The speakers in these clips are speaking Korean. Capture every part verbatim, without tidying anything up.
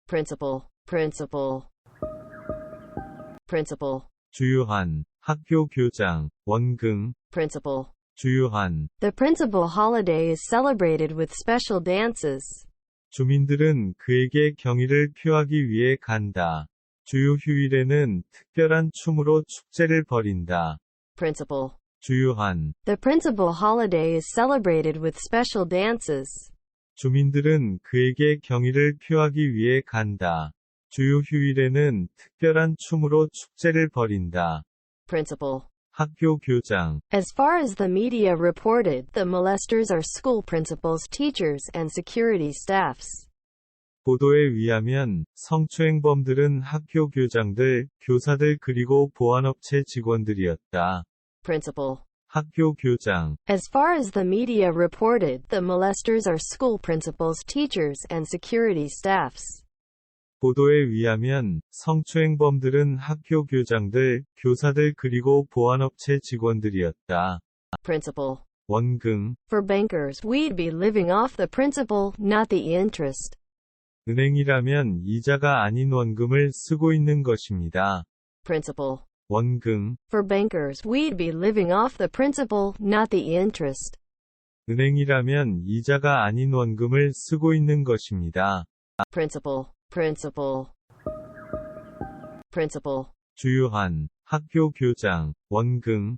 principal, principal, principal, 주요한, 학교 교장, 원금, principal. 주요한. The principal holiday is celebrated with special dances. 주민들은 그에게 경의를 표하기 위해 간다. 주요 휴일에는 특별한 춤으로 축제를 벌인다. Principal. 주요한. The principal holiday is celebrated with special dances. 주민들은 그에게 경의를 표하기 위해 간다. 주요 휴일에는 특별한 춤으로 축제를 벌인다. Principal. 학교 교장. As far as the media reported, the molesters are school principals, teachers, and security staffs. 보도에 의하면 성추행범들은 학교 교장들, 교사들 그리고 보안업체 직원들이었다. Principal. 학교 교장. As far as the media reported, the molesters are school principals, teachers, and security staffs. 보도에 의하면 성추행범들은 학교 교장들, 교사들 그리고 보안업체 직원들이었다. Principal. 원금. For bankers, we'd be living off the principal, not the interest. 은행이라면 이자가 아닌 원금을 쓰고 있는 것입니다. Principal. 원금. For bankers, we'd be living off the principal, not the interest. 은행이라면 이자가 아닌 원금을 쓰고 있는 것입니다. Principal, principal, principal. 주요한, 학교 교장, 원금.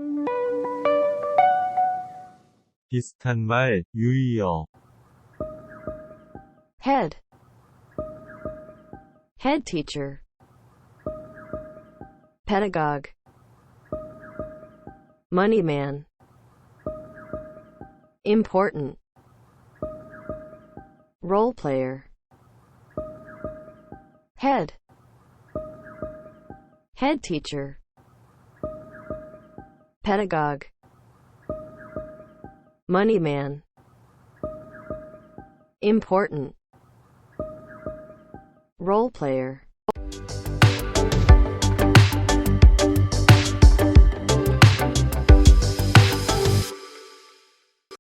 비슷한 말, 유의어. Head, head teacher. Pedagogue, moneyman. Important, role player. Head, head teacher. Pedagogue, moneyman. Important, role player.